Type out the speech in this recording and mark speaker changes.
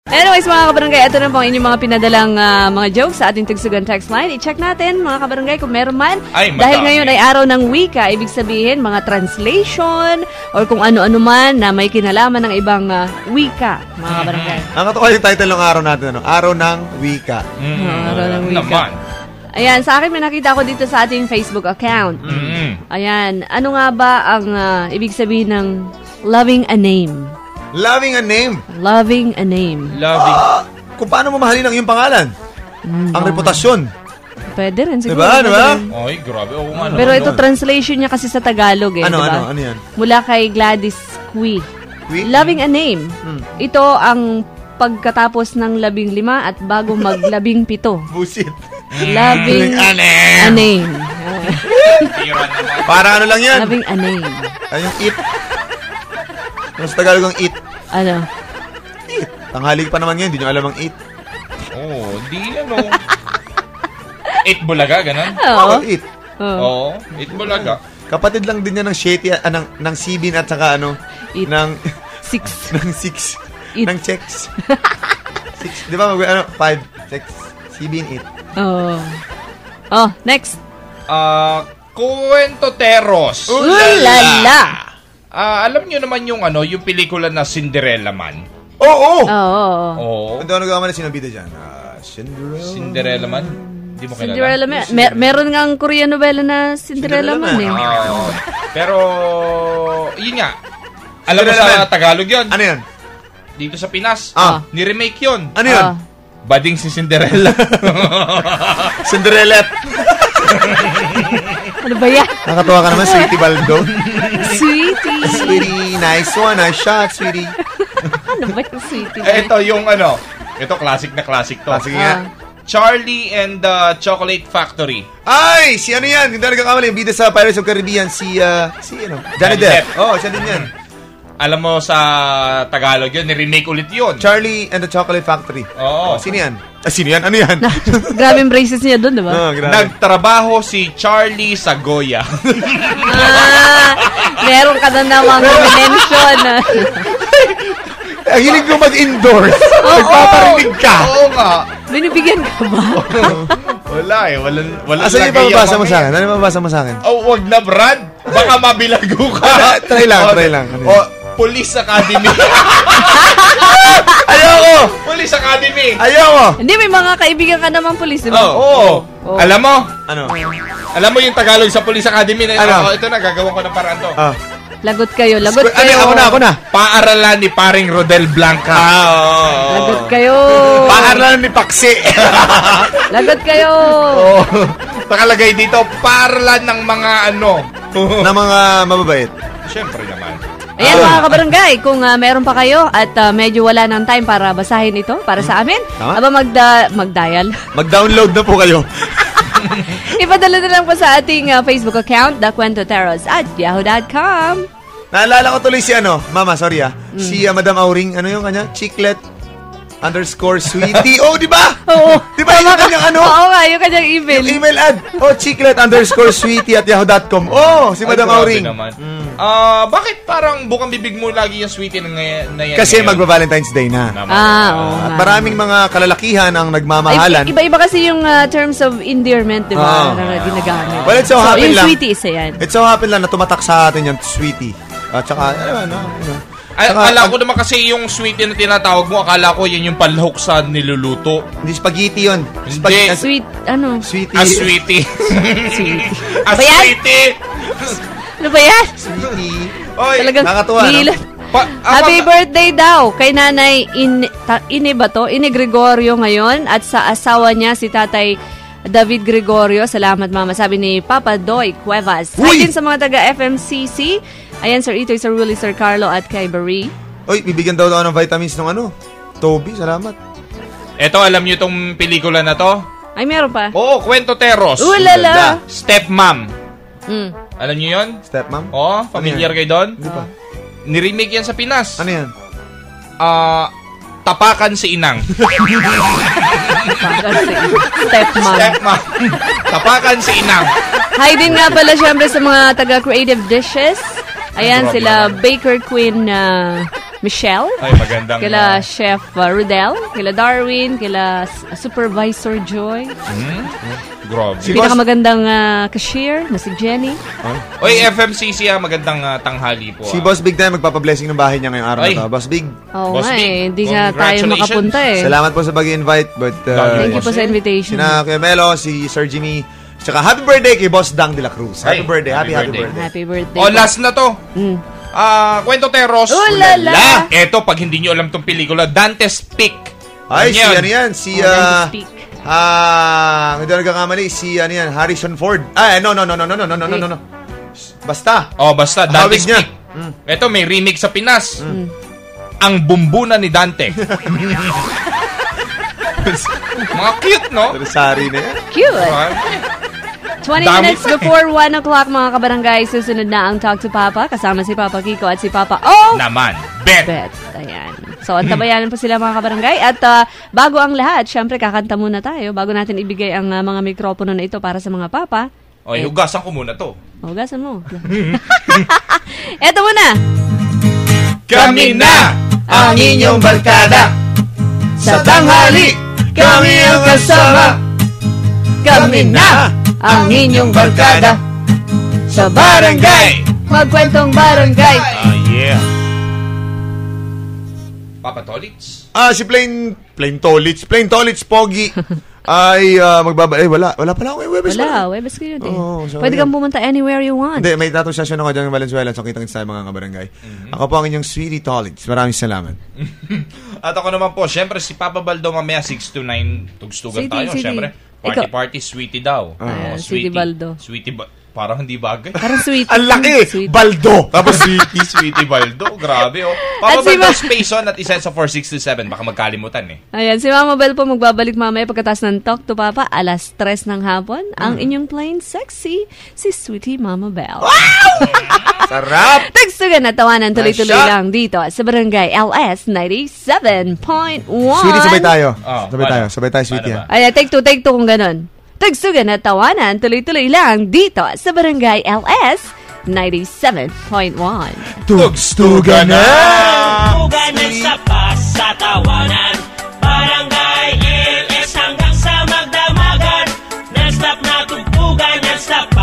Speaker 1: Anyways, mga kabarangay, ito na po ang inyong mga pinadalang mga jokes sa ating Tugsugan text line. I-check natin, mga kabarangay, kung meron man. Dahil ngayon ay araw ng wika, ibig sabihin, mga translation or kung ano-ano man na may kinalaman ng ibang wika, mga kabarangay.
Speaker 2: Ang katuwa yung title ng araw natin, ano? Araw ng wika.
Speaker 1: Araw ng wika. Ayan, sa akin may nakita ko dito sa ating Facebook account. Ayan, ano nga ba ang ibig sabihin ng loving a name?
Speaker 2: Loving a name.
Speaker 1: Loving a name.
Speaker 3: Loving.
Speaker 2: Kung paano mo mahalin ang iyong pangalan? Ang reputasyon.
Speaker 1: Pwede rin siguro.
Speaker 2: Diba?
Speaker 3: Ay, grabe. Oo nga.
Speaker 1: Pero ito, translation niya kasi sa Tagalog eh.
Speaker 2: Ano
Speaker 1: diba?
Speaker 2: yan?
Speaker 1: Mula kay Gladys Cui. Loving a name. Ito ang pagkatapos ng 15 at bago mag-17.
Speaker 2: Bullshit.
Speaker 1: Loving a name.
Speaker 2: Para ano lang yan?
Speaker 1: Loving a name.
Speaker 2: Ay, yung it. Ano sa Tagalog ang it?
Speaker 1: Ano?
Speaker 2: It. Tanghali pa naman yan, hindi nyo alam ang it.
Speaker 3: Di ano. It Bulaga, ganun?
Speaker 1: Oo.
Speaker 2: It.
Speaker 3: Oo, It Bulaga.
Speaker 2: Kapatid lang din yan ng Shetty, ng Sibin at saka ano,
Speaker 1: It.
Speaker 2: ng
Speaker 1: Six.
Speaker 2: ng Six.
Speaker 1: It.
Speaker 2: Ng checks. Six. Di ba? 5, checks. Sibin, it.
Speaker 1: Oh, next.
Speaker 3: Cuentoteros.
Speaker 1: Ulala!
Speaker 3: Alam niyo naman yung yung pelikula na Cinderella Man.
Speaker 2: Oo!
Speaker 3: Oo.
Speaker 2: Hindi ako nagkamali sinabida dyan.
Speaker 3: Cinderella Man? Hindi mo kilala?
Speaker 1: Cinderella Man. Meron nga ang Korean novela na Cinderella Man eh.
Speaker 3: Pero, yun nga. Alam mo
Speaker 2: Cinderella
Speaker 3: sa
Speaker 2: Man.
Speaker 3: Tagalog yun?
Speaker 2: Ano yan?
Speaker 3: Dito sa Pinas. Ni-remake yun.
Speaker 2: Ano yun?
Speaker 3: Bading si Cinderella.
Speaker 2: Cinderella.
Speaker 1: Ano ba yan?
Speaker 2: Nakatuwa ka naman, Sweetie Baldo.
Speaker 1: Sweetie.
Speaker 2: Sweetie, nice one. Nice shot, sweetie.
Speaker 1: Ano ba yung sweetie?
Speaker 3: Ito yung ito classic na classic to.
Speaker 2: Classic nga.
Speaker 3: Charlie and the Chocolate Factory.
Speaker 2: Ay! Si ano yan? Hindi na nagkakamali. Yung bida sa Pirates of Caribbean. Si Johnny Depp. Siya din yan.
Speaker 3: Alam mo sa Tagalog yun, ni-remake ulit yun.
Speaker 2: Charlie and the Chocolate Factory.
Speaker 3: Oo.
Speaker 2: Sino yan? Sino yan? Ano yan?
Speaker 1: Grabe yung braces niya doon, diba?
Speaker 3: Nagtrabaho si Charlie sa Goya.
Speaker 1: Meron ka na namang mention.
Speaker 2: Ang hilig ko mag-endorse. Nagpaparinig ka.
Speaker 3: Oo nga.
Speaker 1: Binibigyan ka ba?
Speaker 3: Wala eh. Wala
Speaker 2: Asan yung mababasa mo sa akin? Ano yung mababasa mo sa akin?
Speaker 3: Wag na, Brad. Baka mabilago ka.
Speaker 2: Try lang.
Speaker 3: Police Academy.
Speaker 2: Ayoko!
Speaker 3: Police Academy.
Speaker 2: Ayoko!
Speaker 1: Hindi, may mga kaibigan ka naman pulis, diba?
Speaker 3: Oo. Alam mo?
Speaker 2: Ano?
Speaker 3: Alam mo yung Tagalog sa Police Academy na ito na, gagawin ko ng paraan to.
Speaker 1: Lagot kayo.
Speaker 2: Ako na.
Speaker 3: Paaralan ni paring Rodel Blanca.
Speaker 1: Lagot kayo.
Speaker 2: Paaralan ni Paksi.
Speaker 1: Lagot kayo.
Speaker 3: Nakalagay dito, paaralan ng mga
Speaker 2: na mga mababait.
Speaker 3: Siyempre naman.
Speaker 1: Ayan mga kabarangay, kung meron pa kayo at medyo wala ng time para basahin ito para sa amin, aba mag-dial.
Speaker 2: Mag-download na po kayo.
Speaker 1: Ipadala na lang po sa ating Facebook account, thequentoteros@yahoo.com.
Speaker 2: Naalala ko tuloy si Mama, sorry si Madam Auring, ano yung kanya? Chiclet _sweetie. Di ba?
Speaker 1: Oo.
Speaker 2: Di ba yung kanyang
Speaker 1: Oo nga, yung kanyang email.
Speaker 2: Yung email ad. Chiclet _sweetie@yahoo.com. Si Madam Auring.
Speaker 3: Bakit parang bukang bibig mo lagi yung sweetie na yan?
Speaker 2: Kasi magba-Valentine's Day na.
Speaker 1: Oo.
Speaker 2: Maraming mga kalalakihan ang nagmamahalan.
Speaker 1: Iba-iba kasi yung terms of endearment, di ba? Na ginagamit.
Speaker 2: Well, it so happen
Speaker 1: yung
Speaker 2: lang.
Speaker 1: Sweetie isa yan.
Speaker 2: It so happen lang na tumatak sa atin yung sweetie. At saka,
Speaker 3: akala ko naman kasi yung sweetie na tinatawag mo, akala ko yan yung palhok sa niluluto.
Speaker 2: Hindi, spaghetti yun.
Speaker 3: Hindi.
Speaker 1: Sweetie.
Speaker 2: Sweetie.
Speaker 3: Sweetie.
Speaker 1: Sweetie.
Speaker 3: Sweetie.
Speaker 1: Ano ba yan?
Speaker 2: Sweetie.
Speaker 3: Oy,
Speaker 1: talagang
Speaker 2: nakatuwa,
Speaker 1: Happy birthday daw kay Nanay Ine ba to? Ine Gregorio ngayon at sa asawa niya si Tatay David Gregorio. Salamat mama, sabi ni Papa Doy Cuevas. Hi din sa mga taga FMCC. Ayan, Sir Itoy, Sir Willie, Sir Carlo at kay Barry.
Speaker 2: Bibigyan daw ng vitamins ng Toby, salamat.
Speaker 3: Eto, alam niyo itong pelikula na to?
Speaker 1: Ay, meron pa.
Speaker 3: Oo, Cuentoteros.
Speaker 1: Ulala!
Speaker 3: Stepmom. Alam niyo yun?
Speaker 2: Stepmom?
Speaker 3: Oo, familiar kayo doon?
Speaker 2: Hindi pa.
Speaker 3: Ni-remake yan sa Pinas.
Speaker 2: Ano yan?
Speaker 3: Tapakan si Inang.
Speaker 1: Stepmom.
Speaker 3: Tapakan si Inang.
Speaker 1: Hi din nga pala syempre sa mga taga Creative Dishes. Ayan, sila Baker Queen Michelle.
Speaker 3: Ay, magandang...
Speaker 1: Kila Chef Rudel, kila Darwin, kila Supervisor Joy.
Speaker 3: Grabe.
Speaker 2: Si
Speaker 1: Pinakamagandang cashier na si Jenny.
Speaker 3: Oy, FMCC, magandang tanghali po.
Speaker 2: Si Boss Big tayo magpapablessing ng bahay niya ngayong araw
Speaker 3: Ay.
Speaker 2: na to. Boss Big,
Speaker 1: Oo
Speaker 3: Boss
Speaker 1: nga
Speaker 3: Big,
Speaker 1: eh, hindi nga tayo
Speaker 3: congratulations.
Speaker 1: makapunta eh.
Speaker 2: salamat po sa pag-invite. But,
Speaker 1: Thank you po sa invitation.
Speaker 2: sina Kuya Melo, si Sir Jimmy, tsaka happy birthday kay Boss Dang de la Cruz. Happy
Speaker 3: Ay,
Speaker 2: birthday,
Speaker 3: happy
Speaker 2: happy
Speaker 3: birthday.
Speaker 2: birthday.
Speaker 1: Happy birthday.
Speaker 3: Oh, last na to. Kwento Teros.
Speaker 1: Ulala!
Speaker 3: Eto, pag hindi nyo alam tong pelikula, Dante's Peak.
Speaker 2: Ay, si ano yan? Si,
Speaker 1: Dante's Peak.
Speaker 2: hindi na nagkakamali, si ano yan, Harrison Ford. No. Basta.
Speaker 3: Oh, basta, Dante's
Speaker 2: Hawig niya.
Speaker 3: Peak. Eto, may remake sa Pinas. Ang Bumbuna ni Dante. Mga cute, no?
Speaker 2: Sari na yan.
Speaker 1: Cute! 20
Speaker 3: Dami
Speaker 1: minutes
Speaker 3: pa eh.
Speaker 1: before 1 o'clock, mga kabarangay, susunod na ang Talk to Papa, kasama si Papa Kiko at si Papa O.
Speaker 3: Naman. Bet.
Speaker 1: Bet. Ayan. So, antabayanan po sila mga kabarangay. At bago ang lahat, syempre kakanta muna tayo bago natin ibigay ang mga mikropono na ito para sa mga papa.
Speaker 3: Oy, hugasan ko muna to.
Speaker 1: Hugasan mo. Eto muna.
Speaker 3: Kami na ang inyong barkada.
Speaker 1: Sa tanghali, kami ang kasama. Kami na ang inyong barkada. Sa barangay, magkwentong barangay.
Speaker 3: Yeah. Papa Tolits?
Speaker 2: Si Plain Tolits Pogi ay wala pala akong Webes.
Speaker 1: Wala, Webes kayo din.
Speaker 2: Oo, so
Speaker 1: Pwede
Speaker 2: yun.
Speaker 1: kang pumunta anywhere you want.
Speaker 2: Hindi, may tatong session ako dyan ng Valenzuela, so kitang-kita tayo mga kabarangay. Ako po ang inyong Sweetie Tolits. Maraming salamat.
Speaker 3: At ako naman po, syempre si Papa Baldo mamaya 6 to 9 tugstugan tayo.
Speaker 1: Sweetie.
Speaker 3: Syempre, party, Sweetie daw.
Speaker 1: Ayan, Sweetie Baldo.
Speaker 3: Parang hindi bagay.
Speaker 1: Parang sweet.
Speaker 2: Ang laki!
Speaker 1: Sweet.
Speaker 2: Baldo!
Speaker 3: Tapos Sweetie Baldo. Grabe, oh. Papa
Speaker 1: At si
Speaker 3: Baldo space on at isa sa 4627. Baka magkalimutan eh.
Speaker 1: Ayan, si Mama Bell po magbabalik mamaya pagkatapos ng Talk to Papa, alas 3 ng hapon. Ang inyong plain sexy, si Sweetie Mama Bell.
Speaker 2: Sarap!
Speaker 1: Tagsugan na tawanan tuloy-tuloy
Speaker 2: Nice shot.
Speaker 1: lang dito sa Barangay LS 97.1.
Speaker 2: Sweetie, sabay tayo.
Speaker 3: Oh,
Speaker 2: Sabay tayo, Sweetie.
Speaker 3: Paano
Speaker 2: Ha?
Speaker 1: Ayan, take two kung ganun. Tagsugan na tawanan tuloy-tuloy lang dito sa Barangay LS 97.1.
Speaker 2: Tugstugan na!
Speaker 4: Tugan ng sapa sa tawanan. Barangay LS hanggang sa magdamagan. Non-stop na tugtugan, non-stop